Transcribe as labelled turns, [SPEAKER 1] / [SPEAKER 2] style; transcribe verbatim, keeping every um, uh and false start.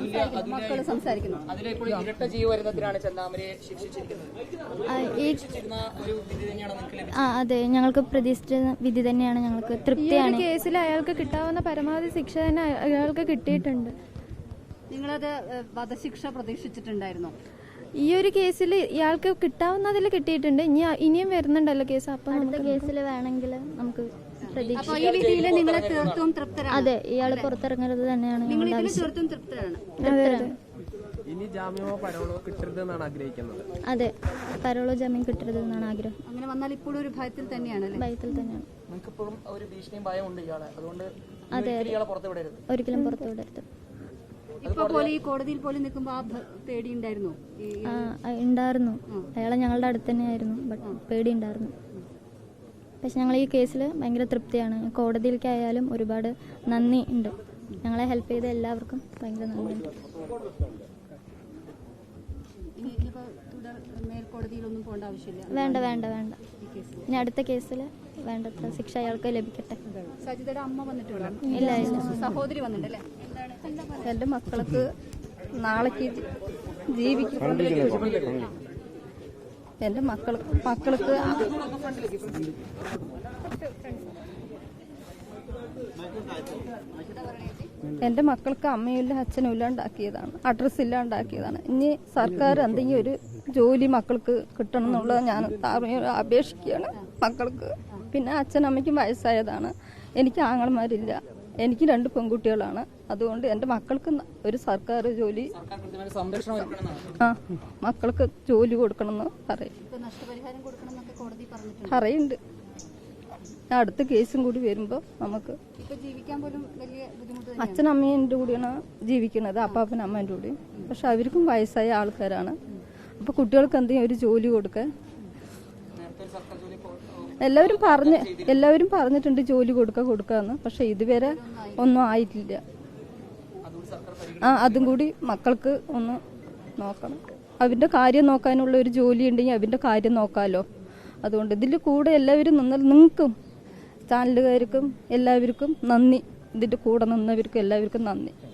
[SPEAKER 1] മക്കൾ സംസാരിക്കുന്നു.
[SPEAKER 2] ഇരട്ട ജീവപര്യന്തത്തിനാണ് ചെന്താമരയെ ശിക്ഷിച്ചിരിക്കുന്നത്.
[SPEAKER 3] ആ അതെ, ഞങ്ങൾക്ക് പ്രതീക്ഷിച്ച വിധി തന്നെയാണ്. ഞങ്ങൾക്ക് തൃപ്തിയാണ്.
[SPEAKER 4] കേസിൽ അയാൾക്ക് കിട്ടാവുന്ന പരമാവധി ശിക്ഷ തന്നെ അയാൾക്ക് കിട്ടിയിട്ടുണ്ട്.
[SPEAKER 1] നിങ്ങളത് വധശിക്ഷ പ്രതീക്ഷിച്ചിട്ടുണ്ടായിരുന്നോ?
[SPEAKER 4] ഈ ഒരു കേസിൽ ഇയാൾക്ക് കിട്ടാവുന്നതിൽ കിട്ടിയിട്ടുണ്ട്. ഇനി ഇനിയും വരുന്നുണ്ടല്ലോ കേസ്. അപ്പൊ
[SPEAKER 3] അടുത്ത കേസിൽ വേണമെങ്കിൽ നമുക്ക് അതെ, ഇയാള് പുറത്തിറങ്ങരുത് തന്നെയാണ് ഞങ്ങളുടെ ആവശ്യം.
[SPEAKER 5] ഇനി ജാമ്യമോ പരോളോ കിട്ടരുതെന്നാണ് ആഗ്രഹിക്കുന്നത്.
[SPEAKER 3] അതെ, പരോളോ ജാമ്യം കിട്ടരുത് എന്നാണ് ആഗ്രഹം.
[SPEAKER 1] അങ്ങനെ വന്നാൽ ഇപ്പോഴും ഒരു ഭയത്തിൽ തന്നെയാണ്
[SPEAKER 3] ഭയത്തിൽ തന്നെയാണ്. അതെ, ഒരിക്കലും പുറത്തു വിടരുത്.
[SPEAKER 1] ഇപ്പൊ പോലെ ഈ കോടതിയിൽ പോലും നിൽക്കുമ്പോ ആ പേടി ഉണ്ടായിരുന്നു?
[SPEAKER 3] ഉണ്ടായിരുന്നു. അയാളെ ഞങ്ങളുടെ അടുത്ത് തന്നെയായിരുന്നു. ബട്ട് പേടി ഉണ്ടായിരുന്നു. പക്ഷെ ഞങ്ങൾ ഈ കേസിൽ ഭയങ്കര തൃപ്തിയാണ്. കോടതിയിലേക്കായാലും ഒരുപാട് നന്ദി ഉണ്ട്. ഞങ്ങളെ ഹെൽപ്പ് ചെയ്ത എല്ലാവർക്കും ഭയങ്കര നന്ദിയുണ്ട്.
[SPEAKER 1] മേൽക്കോടതിയിലൊന്നും പോകേണ്ട ആവശ്യമില്ല.
[SPEAKER 3] വേണ്ട വേണ്ട വേണ്ട ഇനി അടുത്ത കേസിൽ വേണ്ടത്ര ശിക്ഷ അയാൾക്ക് ലഭിക്കട്ടെ.
[SPEAKER 1] സജിതയുടെ അമ്മ വന്നിട്ടുണ്ടോ?
[SPEAKER 3] ഇല്ല ഇല്ല.
[SPEAKER 1] സഹോദരി വന്നിട്ടല്ലേ?
[SPEAKER 4] എന്റെ മക്കൾക്ക് നാളേക്ക് ജീവിക്കും. എന്റെ മക്കൾ മക്കൾക്ക് എന്റെ മക്കൾക്ക് അമ്മയില്ല അച്ഛനും ഇല്ലാണ്ടാക്കിയതാണ്, അഡ്രസ് ഇല്ലാണ്ടാക്കിയതാണ്. ഇനി സർക്കാർ എന്തെങ്കിലും ഒരു ജോലി മക്കൾക്ക് കിട്ടണം എന്നുള്ളത് ഞാൻ അപേക്ഷിക്കുകയാണ് മക്കൾക്ക്. പിന്നെ അച്ഛനമ്മയ്ക്കും വയസ്സായതാണ്. എനിക്ക് ആങ്ങളമാരില്ല. എനിക്ക് രണ്ട് പെൺകുട്ടികളാണ്. അതുകൊണ്ട് എൻ്റെ മക്കൾക്ക് ഒരു സർക്കാർ ജോലി, ആ മക്കൾക്ക് ജോലി കൊടുക്കണമെന്ന് പറയും പറയുന്നുണ്ട്. അടുത്ത കേസും കൂടി വരുമ്പോൾ നമുക്ക് അച്ഛനമ്മേൻ്റെ കൂടിയാണ് ജീവിക്കുന്നത്, അപ്പാപ്പൻ അമ്മേൻ്റെ കൂടി. പക്ഷെ അവർക്കും വയസ്സായ ആൾക്കാരാണ്. അപ്പോൾ കുട്ടികൾക്ക് എന്തെങ്കിലും ഒരു ജോലി കൊടുക്കാൻ എല്ലാവരും പറഞ്ഞ് എല്ലാവരും പറഞ്ഞിട്ടുണ്ട് ജോലി കൊടുക്കുക കൊടുക്കാന്ന്. പക്ഷെ ഇതുവരെ ഒന്നും ആയിട്ടില്ല. ആ അതും കൂടി മക്കൾക്ക് ഒന്ന് നോക്കണം. അവൻ്റെ കാര്യം നോക്കാനുള്ള ഒരു ജോലി ഉണ്ടെങ്കിൽ അവൻ്റെ കാര്യം നോക്കാമല്ലോ. അതുകൊണ്ട് ഇതിൽ കൂടെ എല്ലാവരും നിന്നാൽ നിങ്ങൾക്കും ചാനലുകാർക്കും എല്ലാവർക്കും നന്ദി. ഇതിൻ്റെ കൂടെ നിന്നവർക്കും എല്ലാവർക്കും നന്ദി.